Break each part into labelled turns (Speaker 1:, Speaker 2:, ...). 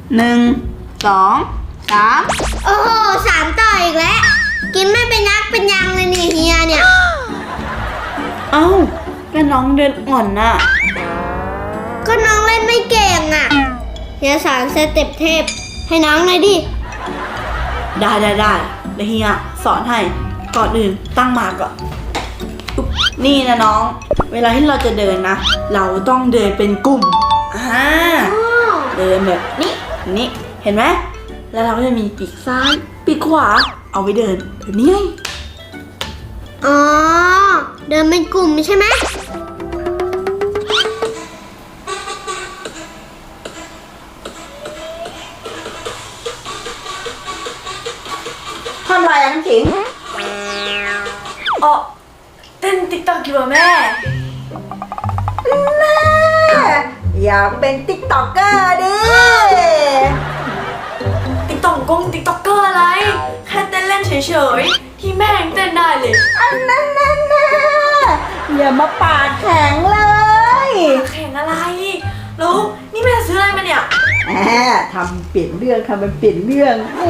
Speaker 1: 1 2 3
Speaker 2: โอ้โห3 ต่ออีกแล้วกินไม่เป็นยักษ์เป็นยังเลยนี่เฮียเนี่ย
Speaker 1: เอ้าก็น้องเดินอ่อนน่ะ
Speaker 2: ก็น้องเล่นไม่เก่งอ่ะเฮียสอนสเต็ปเทพให้น้องหน่อยดิ
Speaker 1: ได้เดี๋ยวเฮียสอนให้ก่อนอื่นตั้งมาก่อนนี่นะน้องเวลาที่เราจะเดินนะเราต้องเดินเป็นกลุ่มเดินแบบนี้เห็นไหมแล้วเราก็จะมีปีกซ้ายปีกขวาเอาไว้เดินแบบนี้
Speaker 2: อ๋อเดินเป็นกลุ่มใช่ไหม
Speaker 1: ทำไรน้ำขิงอ๋อเต้นติ๊กต็อกอยู่แม่อยากเป็นติ๊กต็อกเกอร์ดิ
Speaker 3: ติ๊กต็อกเกอร์อะไรแค่เต้นเล่นเฉยๆที่แม่ยังเต้นได้เลย
Speaker 1: อันนั้นอย่ามาปาดแข็งเลย
Speaker 3: แข่งอะไรแล้วนี่แม่ซื้ออะไรมาเนี่ย
Speaker 1: ทำเปลี่ยนเรื่องทำเป็นเปลี่ยนเรื่องแหม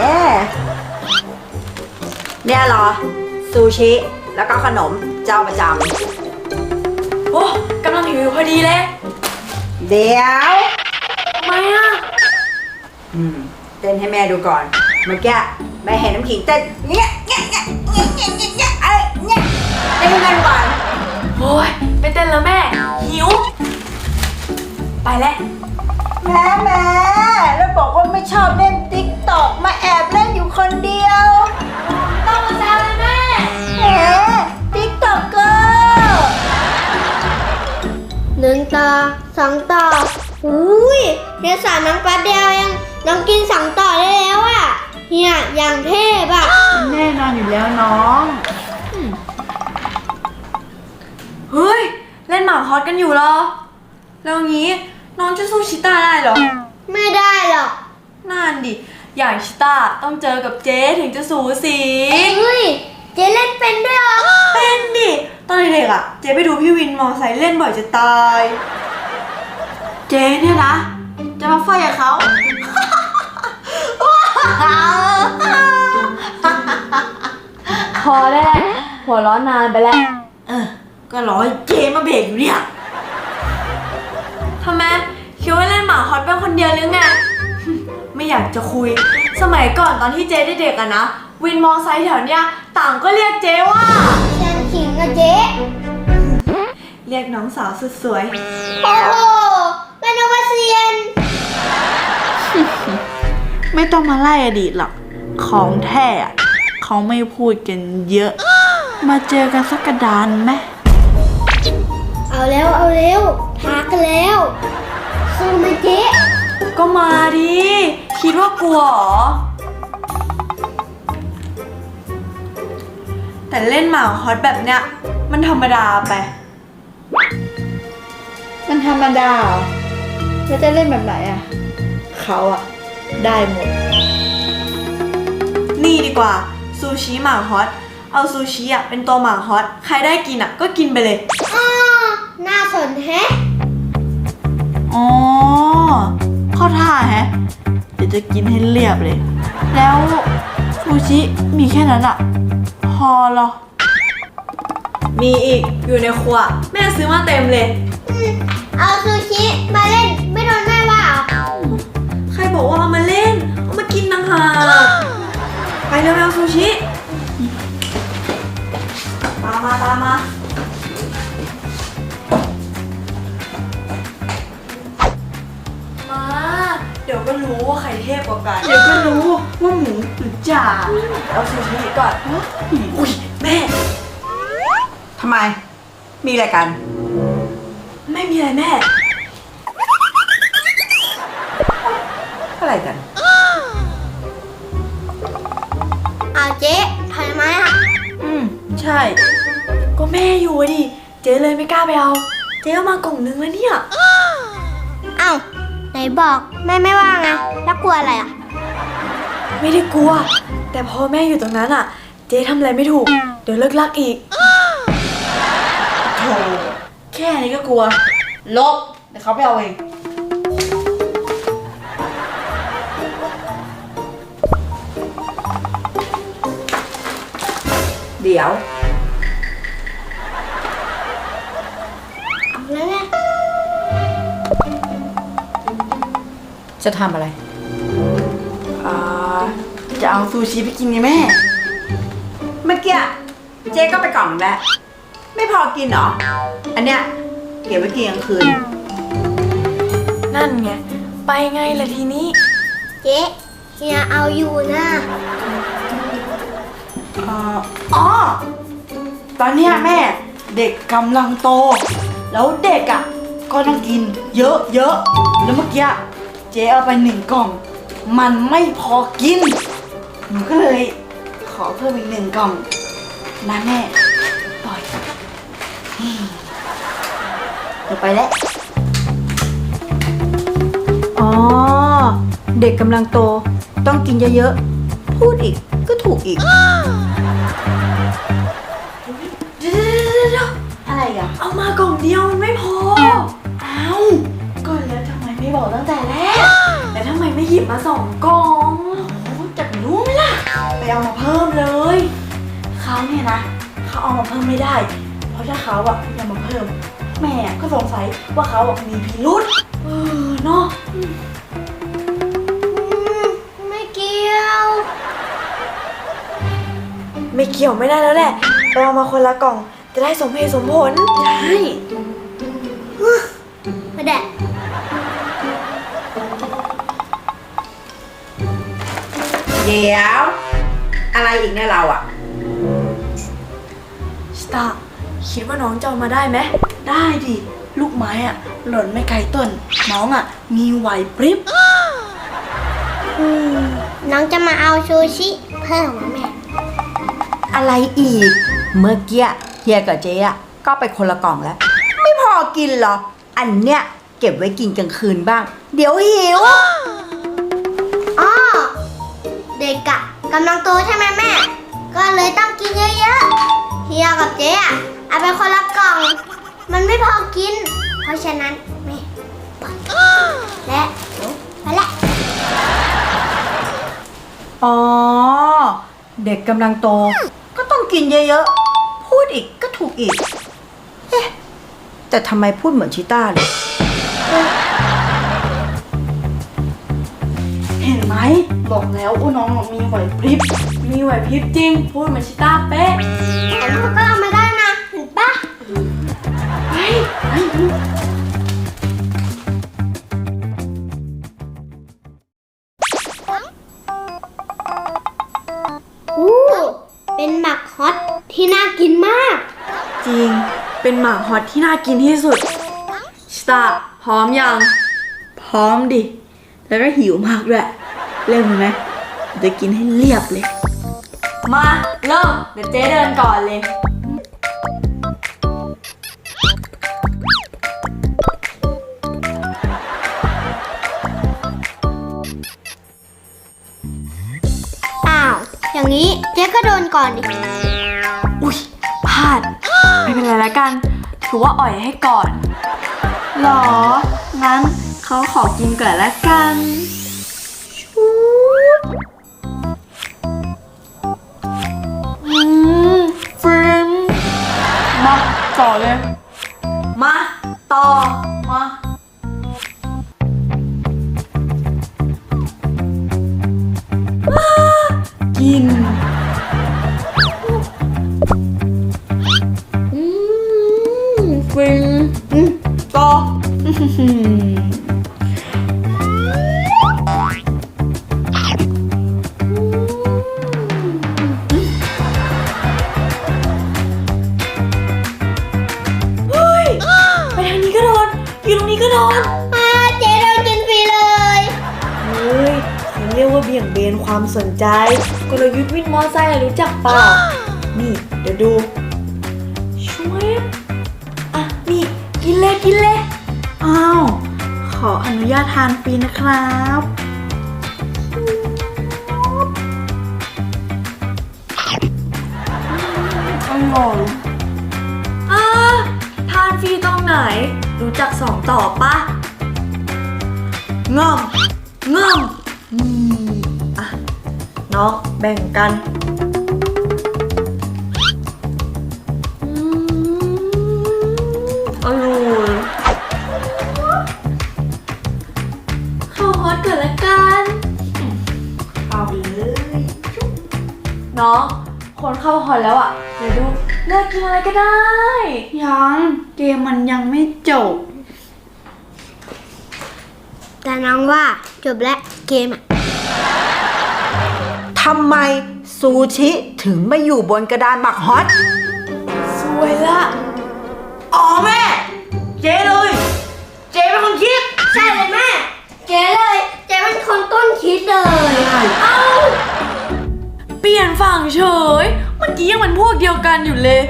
Speaker 1: เนี่ยเหรอซูชิแล้วก็ขนมเจ้าประจ
Speaker 3: โอ้กำลังหิวพอดีเลย
Speaker 1: ำเดี๋ยว
Speaker 3: ทำไมอ่ะ
Speaker 1: เต้นให้แม่ดูก่อนเมื่อกี้แม่เห็นน้ำขิงเต้นเนี่ยอะไรเนี่ยเต้นให้แม่ดูก่อน
Speaker 3: โอ้ยไม่เต้นแล้วแม่หิวไปแล้ว
Speaker 1: แม่แล้วบอกว่าไม่ชอบเล่นติ๊กต็อกมาแอบเล่นอยู่คนเดียว
Speaker 3: ต้องมาแซวเลยแม่
Speaker 1: ติ๊กต็อกเกอร์
Speaker 2: 1 ต่อ 2 ต่ออุ้ยเฮียสอนน้องแป๊บเดียวเองน้องกิน2 ต่อได้แล้วอ่ะเฮียอย่างเทพอ่ะ
Speaker 1: แน่นอนอยู่แล้วน้อง
Speaker 3: เฮ้ยเล่นหมากฮอตกันอยู่เหรอแล้วงี้น้องจะสู้ชิต้าได้เหรอ
Speaker 2: ไม่ได้หรอก
Speaker 3: นั่นดิอย่างชิต้าต้องเจอกับเจ๊ถึงจะสูสี
Speaker 2: เฮ้ยเจ๊เล่นเป็นด้วยเหรอ
Speaker 3: เป็นดิตอนเด็กๆอ่ะเจ๊ไปดูพี่วินมอไซค์เล่นบ่อยจะตาย
Speaker 1: เจ๊เนี่ยนะจะมาไฟกับเขา
Speaker 3: พอได้แล้วหัวร้อนนานไปแล้ว
Speaker 1: ก็รอให้เจ๊มาเบรกอยู่เนี่ย
Speaker 3: ทำไมคิดว่าเล่นหมาฮอตเป็นคนเดียวหรือไง ไม่อยากจะคุยสมัยก่อนตอนที่เจ๊เด็กๆอะนะวินมอไซค์แถวเนี้ยต่างก็เรียกเจ๊ว่า
Speaker 2: ฉันขิงกับเจ๊
Speaker 3: เรียกน้องสาวสุดสวย
Speaker 2: โอ้โหเป็นอวเซียน
Speaker 1: ไม่ต้องมาไล่อดีตหรอกของแท้เขาไม่พูดกันเยอะมาเจอกันสักกระดานไหม
Speaker 2: เอาเร็วท้ากันแล้วสู้ไหมเจ๊
Speaker 3: ก็มาดิคิดว่ากลัวหรอแต่เล่นหมาฮอตแบบเนี้ยมันธรรมดาไป
Speaker 1: มันธรรมดาแล้วจะเล่นแบบไหนอะเขาอะได้หมด
Speaker 3: นี่ดีกว่าซูชิหมาฮอตเอาซูชิอะเป็นตัวหมาฮอตใครได้กินอะก็กินไปเลย
Speaker 2: น่าสนแฮะ
Speaker 1: อ๋อเข้าท่าแฮะเดี๋ยวจะกินให้เรียบเลยแล้วซูชิมีแค่นั้นอะพอเหรอ
Speaker 3: มีอีกอยู่ในครัวแม่ซื้อมาเต็มเลย
Speaker 2: เอาซูชิมาเล่นไม่โดนแม่ว่า
Speaker 3: ใครบอกว่าเอามาเล่นเอามากินต่างหากไปเร็วๆซูชิตามมามาเดี๋ยวก็รู้ว่าใครเทพกว่ากัน
Speaker 1: เดี๋ยวก็รู้ว่าหมูหรือจ่า
Speaker 3: เอาซูชิก่อนอุ้ยแม่
Speaker 1: ทำไมมีอะไรกัน
Speaker 3: ไม่มีอะไรแม่
Speaker 1: อะไรกัน
Speaker 2: เอาเจ๊ถอยมาอ่ะ
Speaker 1: ใช่
Speaker 3: ก็แม่อยู่ดิเจ๊เลยไม่กล้าไปเอาเจ๊เอามากล่องนึงแล้วเนี่ย
Speaker 2: เอ้าไหนบอกแม่ไม่ว่าไงแล้วกลัวอะไรอ่ะ
Speaker 3: ไม่ได้กลัวแต่พอแม่อยู่ตรงนั้นอ่ะเจ๊ทำอะไรไม่ถูกเดี๋ยวเลิกลักอีก
Speaker 1: โธ่แค่นี้ก็กลัวลบเดี๋ยวเขาไปเอาเองเดี๋ยว
Speaker 2: เอาแล้วไง
Speaker 4: จะทำอะไร
Speaker 1: จะเอาซูชิไปกินไงแม่ เมื่อกี้เจ๊ก็ไปกล่องแล้ว ไม่พอกินเหรอ อันเนี้ยเก็บไว้กินกลางคืน
Speaker 3: นั่นไง ไปไงล่ะทีนี้
Speaker 2: เจ๊เฮียเอาอยู่นะ
Speaker 1: อ๋อ ตอนเนี้ยแม่เด็กกำลังโต แล้วเด็กอ่ะก็ต้องกินเยอะแล้วเมื่อกี้เจ๊เอาไป1 กล่อง มันไม่พอกินหนูก็เลยขอเพิ่มอีก1 กล่องนะแม่ปล่อยเดี๋ยวไปแล้ว
Speaker 4: อ๋อ เด็กกำลังโตต้องกินเยอะๆ พูดอีกก็ถูกอีก
Speaker 3: เดี๋ยว
Speaker 1: อะไรอ่ะ
Speaker 3: เอามากล่องเดียวมันไม่พอ
Speaker 1: เอ้าก็แล้วทำไมไม่บอกตั้งแต่แรก
Speaker 3: แต่ทำไมไม่หยิบมา2 กล่อง
Speaker 1: จะรู้ไหมล่ะ ไปเอามาเพิ่มเลย เขาเนี่ยนะ เขาเอามาเพิ่มไม่ได้ เพราะถ้าเขาอะยังมาเพิ่ม แม่ก็สงสัยว่าเขาอะมีพิรุษเนาะ
Speaker 2: ไม่เกี่ยว
Speaker 3: ไม่เกี่ยวไม่ได้แล้วแหละไปเอามาคนละกล่อง จะได้สมเหตุสมผล
Speaker 1: ใช่
Speaker 2: มาแดะ
Speaker 1: เดี๋ยว อะไรอีกเนี่ยเราอะ
Speaker 3: สตาร์คิดว่าน้องจะเอามาได้ไหม
Speaker 1: ได้ดิ ลูกไม้อะหล่นไม่ไกลต้น น้องอะมีไหวพริบ
Speaker 2: น้องจะมาเอาซูชิเพิ่มเหรอแม่
Speaker 4: อะไรอีก เมื่อกี้เฮียกับเจ๊อะก็ไปคนละกล่องแล้ว ไม่พอกินเหรอ อันเนี้ยเก็บไว้กินกลางคืนบ้าง เดี๋ยวหิว
Speaker 2: อ๋อ เด็กอะกำลังโตใช่ไหมแม่ ก็เลยต้องกินเยอะๆ เฮียกับเจ๊อะเอาไปคนละกล่อง มันไม่พอกิน เพราะฉะนั้นแม่บอกและไปละ
Speaker 4: อ๋อ เด็กกำลังโตก็ต้องกินเยอะๆ พูดอีกก็ถูกอีก เอ๊ะ แต่ทำไมพูดเหมือนชิต้าเลย
Speaker 1: เห็นไหม บอกแล้วว่าน้องอะมีไหวพริบ
Speaker 3: มีไหวพริบจริง พูดเหมือนชิต้าเป๊ะ
Speaker 2: แต่ลูกก็เอามาได้นะ เห็นปะ อู้เป็นหมักฮอตที่น่ากินมาก
Speaker 3: จริง เป็นหมาฮอตที่น่ากินที่สุดสตาร์พร้อมยัง
Speaker 1: พร้อมดิ แล้วก็หิวมากด้วยเริ่มเลยไหมจะกินให้เรียบเลย
Speaker 3: มาเริ่ม เดี๋ยวเจ๊เดินก่อนเลย
Speaker 2: อ้าว อย่างนี้เจ๊ก็โดนก่อนดิ
Speaker 3: อุ๊ยพลาด ไม่เป็นไรละกัน ถือว่าอ่อยให้ก่อน
Speaker 1: หรอ งั้นเขาขอกินก่อนละกันฟินมาต่อเลย
Speaker 3: มาต่อ
Speaker 1: มา กินฟินต่อ
Speaker 3: ไปทางนี้ก็โดน อยู่ตรงนี้ก็โดน
Speaker 2: เจ๊โดนกินฟรีเลย
Speaker 3: เฮ้ยเขาเรียกว่าเบี่ยงเบนความสนใจ กลยุทธ์วินมอไซค์รู้จักเปล่า นี่ เดี๋ยวดูช่วยอ่ะ นี่ กินเลยกินเลย
Speaker 1: อ้าว ขออนุญาตทานฟรีนะครับ อร่อย
Speaker 3: ทานฟรีตรงไหน รู้จักสองต่อปะ
Speaker 1: ง่อมง่อม
Speaker 3: อ่ะ น้องแบ่งกันฮอตก่อนละกัน
Speaker 1: เอาเลย
Speaker 3: น้องคนเข้าฮอตแล้วอ่ะ เดี๋ยวดูเลือกกินอะไรก็ได้
Speaker 1: ยังเกมมันยังไม่จบ
Speaker 2: แต่น้องว่าจบแล้วเกมอะ
Speaker 4: ทำไมซูชิถึงไม่อยู่บนกระดานหมักฮอต
Speaker 3: สวยละ
Speaker 1: อ๋อแม่ เจ๊เลย เจ๊เป็นคนคิด
Speaker 2: ใช่เลยแม่ เจ๊เลย เจ๊เป็นคนต้นคิดเลย
Speaker 3: เอ้า เปลี่ยนฝั่งเฉย เมื่อกี้ยังเป็นพวกเดียวกันอยู่เลย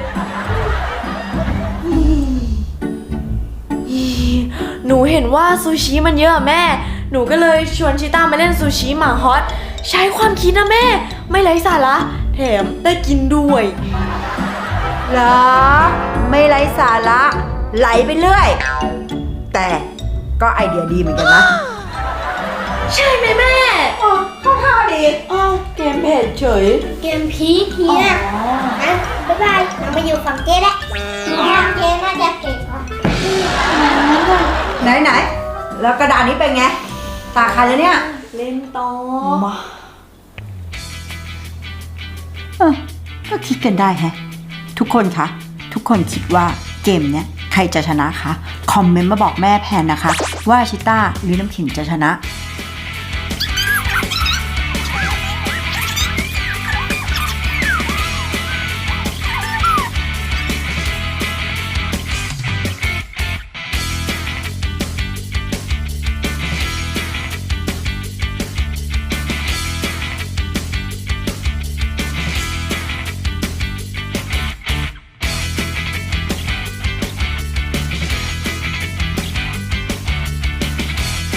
Speaker 3: หนูเห็นว่าซูชิมันเยอะอะแม่ หนูก็เลยชวนชิต้ามาเล่นซูชิหมาฮอต ใช้ความคิดนะแม่ ไม่ไร้สาระแถมได้กินด้วย
Speaker 4: เหรอ ไม่ไร้สาระไหลไปเรื่อย แต่ก็ไอเดียดีเหมือนกันนะ
Speaker 3: ใช่ไหมแม่
Speaker 4: เข้าท่าดี
Speaker 1: อ้าวเกมเผ็ดเฉย
Speaker 2: เกมพีคเฮียนะบ๊ายบายเรามาอยู่ฝั่งเจ๊แล้วเจ๊น่าจะเก่งกว่า
Speaker 4: ไหน แล้วกระดานนี้เป็นไง ตาใครแล้วเนี่ย
Speaker 3: เล่นต่อ
Speaker 1: มา
Speaker 4: ก็คิดกันได้แฮะ ทุกคนคะ ทุกคนคิดว่าเกมเนี้ยใครจะชนะคะ คอมเมนต์มาบอกแม่แพนนะคะ ว่าชิต้าหรือน้ำขิงจะชนะ